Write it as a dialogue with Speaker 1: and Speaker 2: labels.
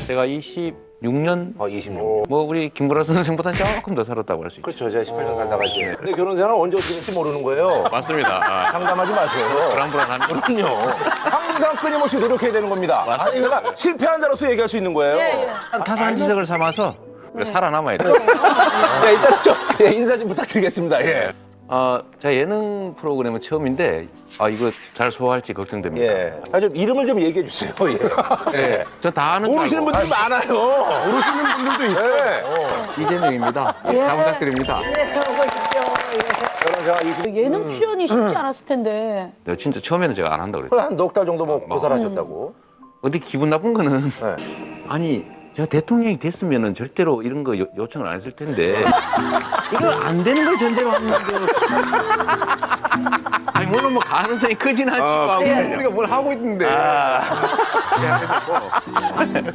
Speaker 1: 제가 26년
Speaker 2: 26.
Speaker 1: 뭐 우리 김구라 선생보다 조금 더 살았다고 할 수 있죠.
Speaker 2: 그렇죠. 제가 18년 살다가 이제. 근데 결혼 생활은 언제 어떻게 될지 모르는 거예요.
Speaker 1: 맞습니다. 아,
Speaker 2: 상담하지 마세요.
Speaker 1: 불안불안한
Speaker 2: 그럼요. 항상 끊임없이 노력해야 되는 겁니다. 아니, 내가 실패한 자로서 얘기할 수 있는 거예요.
Speaker 1: 타산 지석을 삼아서 살아남아야 돼요.
Speaker 2: 네, 일단 좀 인사 좀 부탁드리겠습니다. 예.
Speaker 1: 제가 예능 프로그램은 처음인데 이거 잘 소화할지 걱정됩니다.
Speaker 2: 예. 좀 이름을 좀 얘기해 주세요. 예. 예.
Speaker 1: 저 다 아는 줄
Speaker 2: 모르시는
Speaker 1: 알고.
Speaker 2: 분들이 많아요.
Speaker 3: 모르시는 분들도 있어요.
Speaker 2: 예.
Speaker 1: 이재명입니다. 잘 부탁드립니다.
Speaker 4: 네, 어서 오십시오.
Speaker 2: 결혼 생활
Speaker 4: 예능 출연이 쉽지 않았을 텐데.
Speaker 1: 내가 진짜 처음에는 제가 안 한다고 그랬어요.
Speaker 2: 한 넉 달 정도 뭐 고사하셨다고.
Speaker 1: 어디 기분 나쁜 거는
Speaker 2: 네.
Speaker 1: 아니 제가 대통령이 됐으면은 절대로 이런 거 요청을 안 했을 텐데 이걸 안 되는 걸 전제로 하는 거 아니 물론 뭐 가능성이 크진 않지만 우리가 뭘 하고 있는데